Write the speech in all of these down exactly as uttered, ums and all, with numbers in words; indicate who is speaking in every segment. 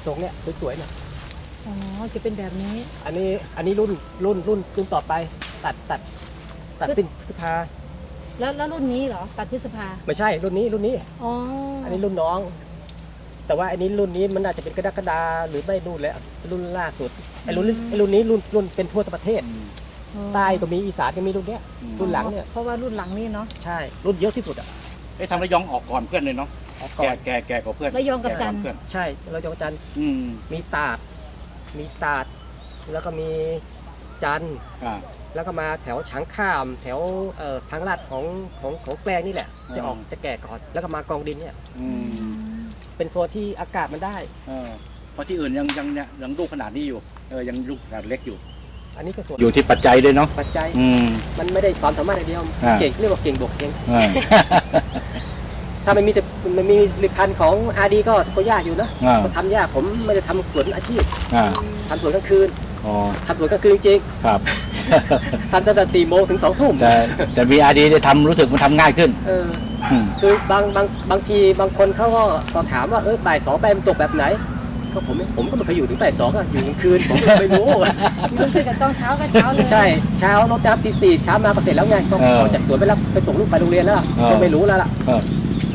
Speaker 1: ทรงเนี่ยสวยๆเนี่ย
Speaker 2: อ๋อจะเป็นแบบนี้
Speaker 1: อันนี้อันนี้รุ่นรุ่นรุ่นรุ่นต่อไปตัดตัดตัดสิ้นพฤษภา
Speaker 2: แล้วแล้วรุ่นนี้เหรอตัดพฤษภา
Speaker 1: ไม่ใช่รุ่นนี้รุ่นนี้
Speaker 2: อ๋อ
Speaker 1: อันนี้รุ่นน้อง แต่ว่าอันนี้รุ่นนี้มันอาจจะเป็นกระดาษกระดาหรือไม่รุ่นแล้วรุ่นล่าสุดไอ้รุ่นไอ้รุ่นนี้รุ่นรุ่นเป็นทั่วประเทศ
Speaker 2: อ๋อ
Speaker 1: ใต้ก็มีอีสานก็มีรุ่นเนี้ยรุ่นหลังเนี่ย
Speaker 2: เพราะว่ารุ่นหลังนี่เนาะ
Speaker 1: ใช่รุ่นเยอะที่สุดอ่ะ
Speaker 3: ไอ้ทำระยองออกก่อนเพื่อนเลยเนาะ
Speaker 1: ออกก่
Speaker 3: แก
Speaker 1: อน
Speaker 3: แกแกกว่าเพื่อน
Speaker 2: ระยองกับจันทร์
Speaker 3: แก่ว่าเพื่อน
Speaker 1: ใช่เราจะจันทร์
Speaker 3: อืม
Speaker 1: มีตาด มีตาด แล้วก็มีจันทร์
Speaker 3: อ่า
Speaker 1: แล้วก็มาแถวฉางข้าม แถวเอ่อทางลาดของของของแกลงนี่แหละ
Speaker 3: อ่า
Speaker 1: จะออกจะแก่ก่อน แล้วก็มากองดินเนี่ย
Speaker 3: อืม
Speaker 1: เป็นโซนที่อากาศมันได้
Speaker 3: เออเพราะที่อื่นยังยังเนี่ยยังลูกขนาดนี้อยู่เออยังลูกขนาดเล็กอยู่
Speaker 1: อันนี้ก็ส่วน
Speaker 3: อยู่ที่ปัจจัยด้วยเนาะ
Speaker 1: ปัจจัย
Speaker 3: อืม
Speaker 1: มันไม่ได้ความสามารถอย่างเดียว
Speaker 3: อ่า
Speaker 1: เก่งเรียกว่าเก่งบวกเก่ง
Speaker 3: อ่า
Speaker 1: ถ้าไม่มีแต่มันมีผลิตภัณฑ์ของอาร์ดีก็ก็ยากอยู่นะ
Speaker 3: อ่า
Speaker 1: ก็ทำยากผมไม่ได้ทำสวนอาชีพ
Speaker 3: อ่า
Speaker 1: ทำสวนกลางคืน
Speaker 3: อ๋อ
Speaker 1: ทำสวนกลางคืนจริง
Speaker 3: ครับ
Speaker 1: ๆทำตั้งแต่สี่โมงถึงสองทุ่ม
Speaker 3: แต่แต่วีอาร์ดีได้ทำรู้สึกมันทำง่ายขึ้น
Speaker 1: เออ
Speaker 3: อืม
Speaker 1: คือบางบางบางทีบางคนเขาก็ก็ถามว่าเออบ่ายสองไปมันตกแบบไหนก็ผมผมก็ไม่เคยอยู่ถึงบ่ายสองอะอยู่กลางคืนผมก็ไม่รู้
Speaker 2: รู้สึกกับตอนเช้าก็เช้าเลย
Speaker 1: ใช่เช้ารถน้ำตีสี่เช้ามาก็เสร็จแล้วไงก็ออกจากสวนไปรับไปส่งลูกไปโรงเรียนแล้วก็ไม่รู้แล้วล่ะ
Speaker 3: เออบ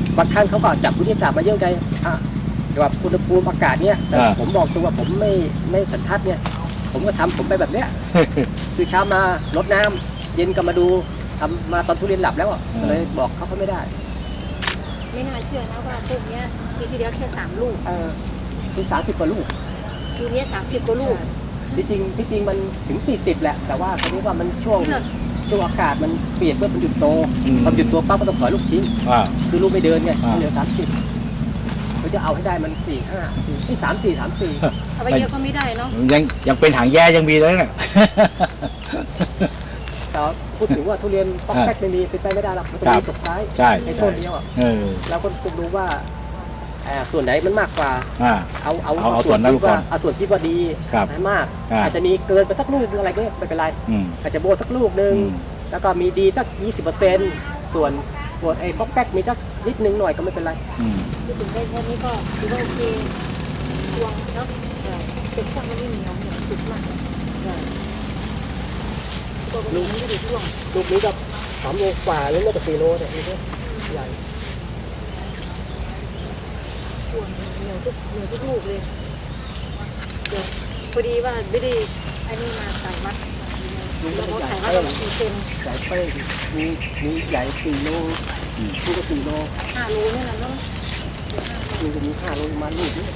Speaker 1: างท่านเขาก็จับวิทยาศาสตร์มาเยอะไงอ่ะแต่ว่าอุณหภูมิอากาศเนี่ยแต่ผมบอกตัวว่าผมไม่ไม่สันทัดเนี่ย ผมก็ทำผมไปแบบเนี้ย คือเช้ามารดน้ำเย็นก็มาดูทำมาตอนทุเรียนหลับแล้วอ่ะก็เลยบอกเขาเขาไม่ได้
Speaker 2: ไม่น่าเชื่อนะว่าพวกเนี้ยปีที่แล้วแค่สามลูก
Speaker 1: เออคือสามสิบกว่าลูก
Speaker 2: ปีนี้สามสิบกว่าลูก
Speaker 1: ที่จริงที่จริงมันถึงสี่สิบแหละ แต่ว่าทีนี้ว่ามันช่วง
Speaker 2: เลือก
Speaker 1: ช่วงอากาศมันเปลี่ยนเพื่อมันหยุดโตพอหยุดตัวปั๊บก็ต้องถอยลูกทิ้ง
Speaker 3: อ่า
Speaker 1: คือลูกไม่เดินไง
Speaker 3: อ่า
Speaker 1: เหลือสามสิบเขาจะเอาให้ได้มันสี่ห้าที่สามสี่สามสี่
Speaker 2: เอาไปเยอะก็ไม่ได้เนาะ
Speaker 3: ยังยังเป็นหางแย่ยังมีเลยเนี่ย
Speaker 1: แต่พูดถึงว่าทุเรียนป๊อกแป๊กไม่มีเป็นไปไม่ได้หรอกมันต้อง
Speaker 3: ครั
Speaker 1: มี
Speaker 3: บ
Speaker 1: ตกท้าย
Speaker 3: ใช่
Speaker 1: ใน
Speaker 3: ใช่
Speaker 1: ต้นเดียวอ่ะ
Speaker 3: เออ
Speaker 1: เราก็ต้องรู้ว่าอ่าส่วนไหนมันมากกว่า
Speaker 3: อ่า
Speaker 1: เอาเอา
Speaker 3: เอาเอาส่วนนั้น
Speaker 1: ที่ว่า
Speaker 3: ก่อน
Speaker 1: เอาส่วนที่ว่าดี
Speaker 3: ครับ
Speaker 1: ให้มาก
Speaker 3: อ่า
Speaker 1: อาจจะมีเกินไปสักลูกนึงอะไรก็ไม่เป็นไร
Speaker 3: อืม
Speaker 1: อาจจะโบสักลูกนึง
Speaker 3: อืม
Speaker 1: แล้วก็มีดีสัก ยี่สิบเปอร์เซ็นต์ ส่วนส่วนไอ้ป๊อกแป๊กมีสักนิดนึงหน่อยก็ไม่เป็นไร
Speaker 3: อืม
Speaker 2: คือถึงได้แค่นี้ก็ถือว่าโอเคดวงเนาะเป็นพวกมันไม่เหนียวเหนียวสุดมากตัวมันไม่ได้ดวง
Speaker 1: ลูกนี้ก็สามโลกว่าหรือไม่ก็สี่โลเนี่ยนี่ก็ใหญ่
Speaker 2: ดวงเหนียวทุกเหนียวทุกลูกเลยเดี๋ยวพอดีว่าไม่ได้ไอ้นี่มาใส่วัดแล้วเขาใส่วัดประมาณกี่เซน
Speaker 1: ใหญ่เป้งมีมีใหญ่สี่โล
Speaker 3: อืม
Speaker 1: ลูกก็สี่โล
Speaker 2: ห้าโลนี่แหละเนาะ
Speaker 1: ลูกจะมีห้าโลประมาณลูกนี้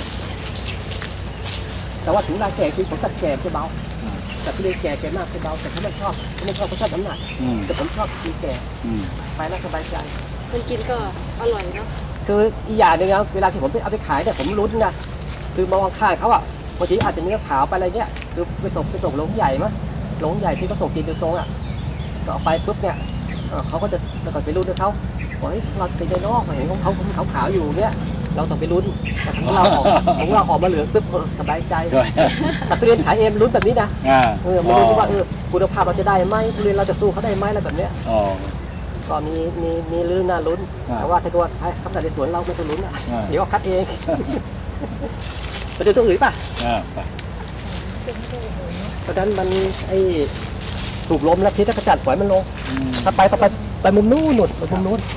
Speaker 1: แต่ว่าถึงเวลาแก่คือผมตัดแก่จะเบาแต่ที่เรียนแก่แก่มากจะเบาแต่เขาไม่ชอบเขาไม่ชอบเขาชอบน้ำหนัก
Speaker 3: อืม
Speaker 1: แต่ผมชอบกินแก่
Speaker 3: อืม
Speaker 1: ไปแล้วสบายใจ
Speaker 2: คนกินก็อร่อยเนาะ
Speaker 1: คืออีกอย่างหนึ่งนะเวลาที่ผมไปเอาไปขายเนี่ยผมลุ้นนะคือมองข้างเขาอ่ะบางทีอาจจะเนื้อขาวไปอะไรเงี้ยคือไปส่งไปส่งโรงใหญ่มั้ยโรงใหญ่ที่เขาส่งจีนโดยตรงอ่ะก็เอาไปปุ๊บเนี่ยเอ่อเขาก็จะแล้วก็ไปลุ้นด้วยเขาบอกเฮ้ยเราเป็นใจนอกเห็นของเขาเขาขาวๆอยู่เนี่ยเราต้องไปลุ้นแต่ของเราออกของเราออกมาเหลืองปุ๊บเออสบายใจ
Speaker 3: ด้วย
Speaker 1: แต่ทุเรียนขายเองลุ้นแบบนี้นะ
Speaker 3: อ่า
Speaker 1: เออไม่รู้ว่าเออคุณภาพเราจะได้ไหมทุเรียนเราจะสู้เขาได้ไหมอะไรแบบเนี้ย
Speaker 3: อ๋อ
Speaker 1: ก็มีมีมีเรื่องน่าลุ้น
Speaker 3: อ่า
Speaker 1: แต่ว่าถ้าเกิดว่าให้คำสั่งในสวนเราไม่ต้องลุ้นอ่ะ
Speaker 3: อ่า
Speaker 1: เดี๋ยวก็คัดเอง ไปดูตัวอื่นป่ะ
Speaker 3: อ่าไป
Speaker 1: ตอนนั้นมันไอ้ถูกลมแล้วที่จะกระจัดปล่อยมันลง
Speaker 3: อืม
Speaker 1: ถ้าไปต่อไปไปมุมนู้นหนุดไปมุมนู้น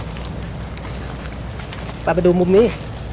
Speaker 1: ไปไปดูมุมนี้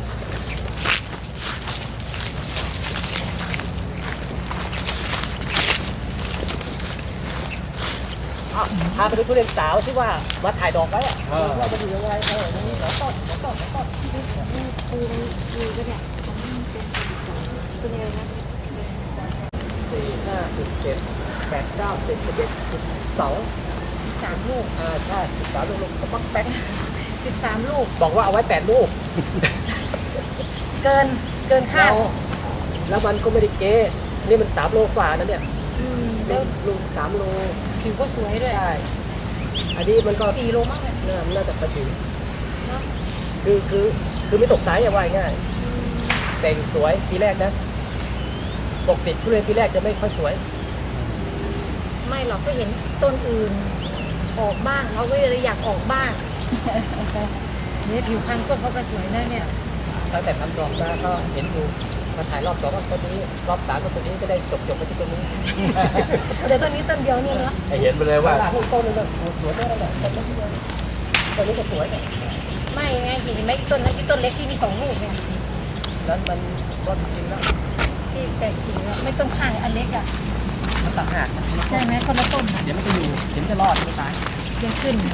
Speaker 1: อ้าวพาไปดูทุเรียนสาวที่ว่ามาถ่ายดอกไว้อะว่าจะอยู่ยังไงเออนี่สองต้นสองต้นสองต้น
Speaker 2: ปูมีก็เนี่ยเป็นยังไงนะ
Speaker 1: สี่ห้าสิบเจ็ดแปดเก้าสิบสิบเอ็ดสิบสอง
Speaker 2: สามลูก
Speaker 1: อ่าใช่สิบสามลูกก็ปักแป๊ก
Speaker 2: สิบสามลูก
Speaker 1: บอกว่าเอาไว้แปดลูก
Speaker 2: เกินเกินคา
Speaker 1: แล้
Speaker 2: ด
Speaker 1: วแล้วมันก็ไม่ได้เก๊นี่มันสามโลกว่านะเนี่ย
Speaker 2: อืม
Speaker 1: แล้
Speaker 2: แล้ว ว
Speaker 1: ลุงสามโล
Speaker 2: ผิวก็สวยด้วย
Speaker 1: ใช่อันนี้มันก็
Speaker 2: สี่โลมากเลย
Speaker 1: น่าน่าจะประจิ๋ว
Speaker 2: เนาะ
Speaker 1: คือคือคือไม่ตกสายอย่าว่าง่ายแต่งสวยปีแรกนะปกติทุเรียนปีแรกจะไม่ค่อยสวย
Speaker 2: ไม่หรอกก็เห็นต้นอื่นออกบ้างเราก็เลยอยากออกบ้างเนี่ยผิวพรรณต้นเขาก็สวยนะเนี่ย
Speaker 1: เอตั้งแต่ทำดอกมาก็เห็นอยู่มาถ่ายรอบสองก็ตัวนี้รอบสามก็ตัวนี้ก็ได้จบจบไปที่ตัวนี้
Speaker 2: เดี๋ยวต้นนี้ต้นเดียวนี่เนาะ
Speaker 3: ให้เห็นไปเลยว่า
Speaker 1: ต้นต้นนึงก็สวยได้แล้วแหละต้นนี้ต้นนี้ก็สวยเนี่ย
Speaker 2: ไม่ไงเห็นไหมต้นนั้นที่ต้นเล็กที่มีสองลูกเนี่ย
Speaker 1: นั้นมันก็จริงแล้ว
Speaker 2: ที่แตกกิ่งแล้วไม่ต้นข้างอันเล็กอ่ะ
Speaker 1: มันต่างหาก
Speaker 2: ใช่ไหมคนละต้น
Speaker 1: เดี๋ยวมันจะอยู่เดี๋ยวมันจะรอดไม่ตาย
Speaker 2: ยังขึ้น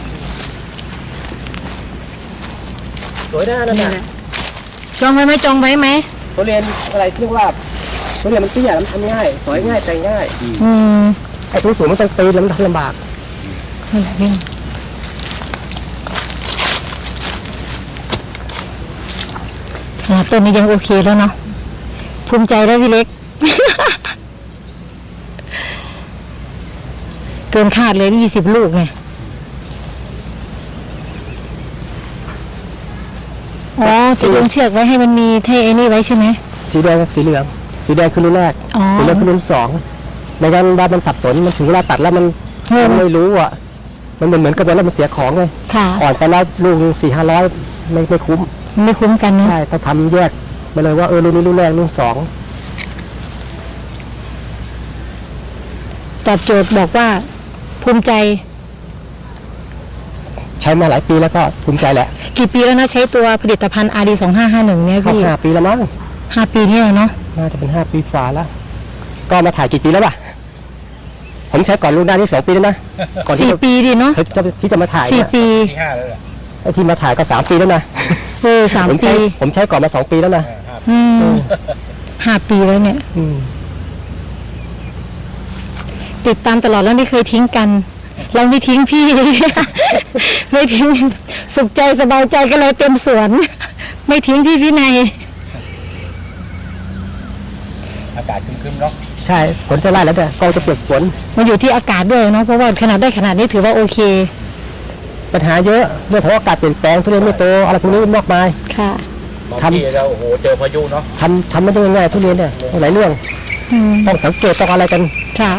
Speaker 1: สวยได้นั่น
Speaker 2: นี่
Speaker 1: น่ะ
Speaker 2: แหละจองไว้ไหมจองไว้ไหม
Speaker 1: ทุเรียนอะไรที่เรียกว่าทุเรียนมันเตี้ยมันทำง่ายสวยง่ายแต่งง่าย
Speaker 2: อืม
Speaker 1: ไอ้ทุสูงมันต้องปีนแล้วมันลำบาก
Speaker 2: นั่นแหละนี่ขนาดต้นนี้ยังโอเคแล้วเนาะภูมิใจแล้วพี่เล็ก เกินคาดเลยยี่สิบลูกไงอ๋อที่ลงเชือกไว้ให้มันมีเท่ไอ้นี่ไว้ใช่ไหม
Speaker 1: สีแดงกับสีเหลืองสีแดงคือรุ่นแรก
Speaker 2: อ๋อ
Speaker 1: สีเหลืองคือรุ่นสองไม่งั้นว่ามันสับสนมันถึงเวลาตัดแล้วมัน
Speaker 2: อืม
Speaker 1: มันไม่รู้อ่ะมันเหมือนเหมือนกับว่าแล้วมันเสียของเลย
Speaker 2: ค่ะ
Speaker 1: อ่อนไปแล้วลูกสี่ห้าร้อยไม่ไม่คุ้ม
Speaker 2: ไม่คุ้มกันเนาะ
Speaker 1: ใช่ต้องทำแยกไปเลยว่าเออรุ่นนี้รุ่นแรกรุ่นสอง
Speaker 2: ตอบโจทย์บอกว่าภูมิใจ
Speaker 1: ใช้มาหลายปีแล้วก็ภูมิใจแหละ
Speaker 2: กี่ปีแล้วนะใช้ตัวผลิตภัณฑ์ อาร์ ดี สองห้าห้าหนึ่งเนี่ย
Speaker 1: เข้า
Speaker 2: พี่
Speaker 1: ห้าปีแล้วมั้ง
Speaker 2: ห้าปีนี่แหละเนาะ
Speaker 1: น่าจะเป็นห้าปีฝ่าแล้ว ก็มาถ่ายกี่ปีแล้วป่ะผมใช้ก่อนรุ่นหน้านี่สองปีแล้วนะก่อนที่
Speaker 2: สี่
Speaker 1: จะ
Speaker 2: ปีดิเนาะ
Speaker 1: ที่จะที่จะมาถ่าย
Speaker 2: สี่
Speaker 1: เนี่ย
Speaker 2: ปี
Speaker 3: ที่ห้าแล้วแหละ
Speaker 1: ไอ้ที่มาถ่ายก็สามปีแล้วนะ
Speaker 2: เออสาม
Speaker 1: ผม
Speaker 2: ปี
Speaker 1: ใช้ผมใช้ก่อนมาสองปีแล้วนะ
Speaker 2: อืมห้าปีแล้วเนี่ย
Speaker 1: อืม
Speaker 2: ติดตามตลอดแล้วไม่เคยทิ้งกัน เราไม่ทิ้งพี่ ไม่ทิ้งสุขใจสบายใจก็เลยเต็มสวน ไม่ทิ้งพี่วินัย
Speaker 3: อากาศครึมๆเนาะ
Speaker 1: ใช่ฝนจะไล่แล้วแต่กองจะเปียกฝน
Speaker 2: มันอยู่ที่อากาศด้วยเนาะเพราะว่าขนาดได้ขนาดนี้ถือว่าโอเค
Speaker 1: ปัญหาเยอะเรื่องของอากาศเปลี่ยนแปลงทุเรียนไม่โตอะไรพวกนี้มากมาย
Speaker 2: ค่ะ
Speaker 3: บาง
Speaker 1: ทำ
Speaker 3: ทีเราโอ้โหเจอพายุเนาะ
Speaker 1: ทำทำไม่ได้ง่ายๆทุเรียนเนี่ยหลายเรื่อง
Speaker 2: อืม
Speaker 1: ต้องสังเกตต้องอะไรกัน
Speaker 2: ค่ะ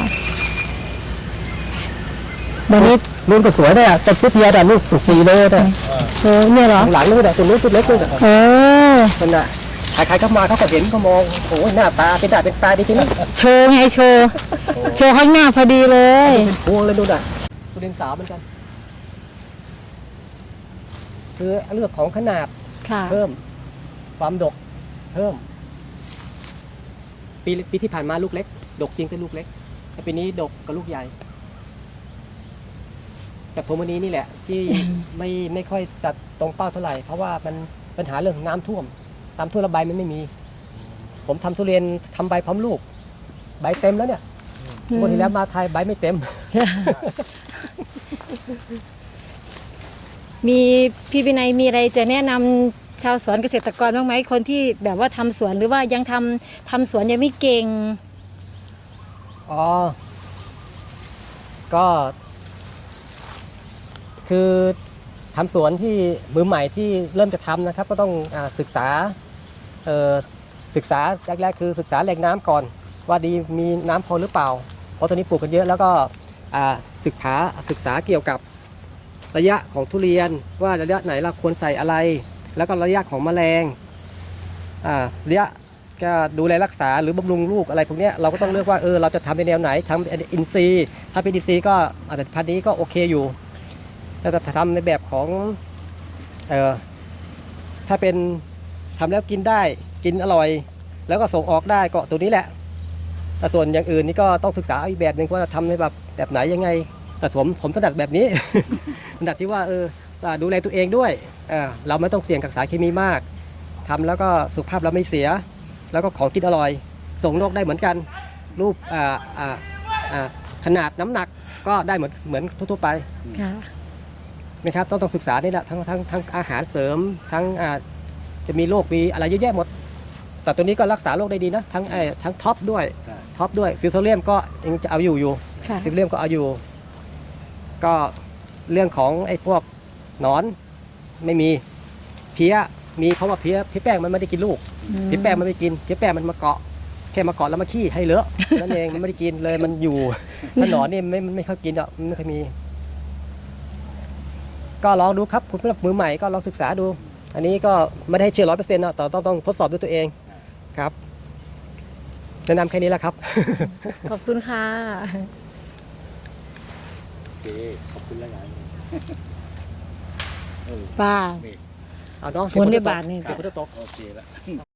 Speaker 2: วันนี้
Speaker 1: นู่นก็สวยเนี่ยต้นพุทธเทียแต่ลูกสุดสีเลยเนี่ย
Speaker 2: เออเนี่ยเหรอ
Speaker 1: หลังนู้นเนี่ยต้นนู้นต้นเล็กนู้น
Speaker 2: เออ
Speaker 1: มันน่ะใครๆเข้ามาเขาก็เห็นเขามองโอ้ยหน้าตาเป็นตาเป็นตาดีจริงนะ
Speaker 2: โชว์ไงโชว์ โชว์ข้างหน้าพอดีเลย
Speaker 1: เป็นพวงเลยดูน่ะทุเรียนสาวเหมือนกัน คือเรื่องของขนาด
Speaker 2: ค่ะ
Speaker 1: เพิ่ม ความดกเพิ่ม ปีปีที่ผ่านมาลูกเล็ก ดกจริงแต่ลูกเล็กแต่ปีนี้ดกกับลูกใหญ่ แต่ผมวันนี้นี่แหละ ที่ ไม่ไม่ค่อยจัดตรงเป้าเท่าไหร่ เพราะว่ามันปัญหาเรื่องน้ำท่วมน้ำท่วมแล้วใบมันไม่มี ผมทำทุเรียนทำใบพร้อมลูก ใบเต็มแล้วเนี่ย
Speaker 2: อืม
Speaker 1: วันที่แล้วมาไทยใบไม่เต็ม
Speaker 2: มีพี่วินัยมีอะไรจะแนะนำชาวสวนเกษตรกรบ้างไหมคนที่แบบว่าทำสวนหรือว่ายังทำทำสวนยังไม่เก่ง
Speaker 1: อ๋อ ก็ คือทำสวนที่มือใหม่ที่เริ่มจะทำนะครับ ก็ต้องอาศึกษาเอ่อศึกษาแรกๆคือศึกษาแหล่งน้ำก่อน ว่าดีมีน้ำพอหรือเปล่า เพราะตอนนี้ปลูกกันเยอะแล้วก็อ่าศึกษาศึกษาเกี่ยวกับระยะของทุเรียนว่าระยะไหนเราควรใส่อะไร แล้วก็ระยะของแมลงอ่าระยะก็ดูแลรักษาหรือบำรุงลูกอะไรพวกเนี้ยเราก็ต้องเลือกว่าเออเราจะทำในแนวไหนทำอินทรีย์ถ้าเป็นอินทรีย์ก็อาจจะพันธุ์นี้ก็โอเคอยู่แต่ถ้าทำในแบบของเออถ้าเป็นทำแล้วกินได้กินอร่อย แล้วก็ส่งออกได้ก็ตัวนี้แหละแต่ส่วนอย่างอื่นนี่ก็ต้องศึกษาอีกแบบหนึ่งว่าทำในแบบแบบไหนยังไงแต่ผมผมถนัดแบบนี้ ถนัดที่ว่าเออดูแลตัวเองด้วยเออเราไม่ต้องเสี่ยงกับสารเคมีมากทำแล้วก็สุขภาพเราไม่เสีย แล้วก็ของกินอร่อย ส่งโลกได้เหมือนกันรูปอ่าอ่าอ่าขนาดน้ำหนักก็ได้เหมือนเหมือนทั่วๆไป
Speaker 2: ค่ะ
Speaker 1: นะครับต้องต้องศึกษานี่แหละทั้งทั้งทั้งอาหารเสริมทั้งอ่าจะมีโรคมีอะไรเยอะแยะหมด แต่ตัวนี้ก็รักษาโรคได้ดีนะทั้งไอ้ทั้งท็อปด้วยท็อปด้วยฟิวโซเลียมก็ยังจะเอาอยู่อยู่
Speaker 2: ค่ะ
Speaker 1: ฟิวโซเลียมก็เอาอยู่ ก็เรื่องของไอ้พวกหนอนไม่มีเพี้ยมีเพราะว่าเพี้ยเพี้ยแป้งมันไม่ได้กินลูก เพี้ยแป้งมันไม่กินเพี้ยแป้งมันมาเกาะแค่มาเกาะแล้วมาขี้ให้เลอะนั่นเองมันไม่ได้กินเลยมันอยู่ถ้าหนอนนี่ไม่ไม่ค่อยกินหรอกมันไม่ค่อยมี ก็ลองดูครับคุณผู้ชมมือใหม่ก็ลองศึกษาดูอันนี้ก็ไม่ได้เชื่อร้อยเปอร์เซ็นต์นะแต่ต้องต้องทดสอบด้วยตัวเองครับแนะนำแค่นี้แหละครับ
Speaker 2: ขอบคุณค่ะ
Speaker 3: โอเคขอบคุณแล้วกันเออ
Speaker 2: ป้า
Speaker 3: นี่
Speaker 1: เอาน้อง
Speaker 2: ฝนในบาทนี่
Speaker 1: เก็บฝนตก
Speaker 3: โอเคแล้ว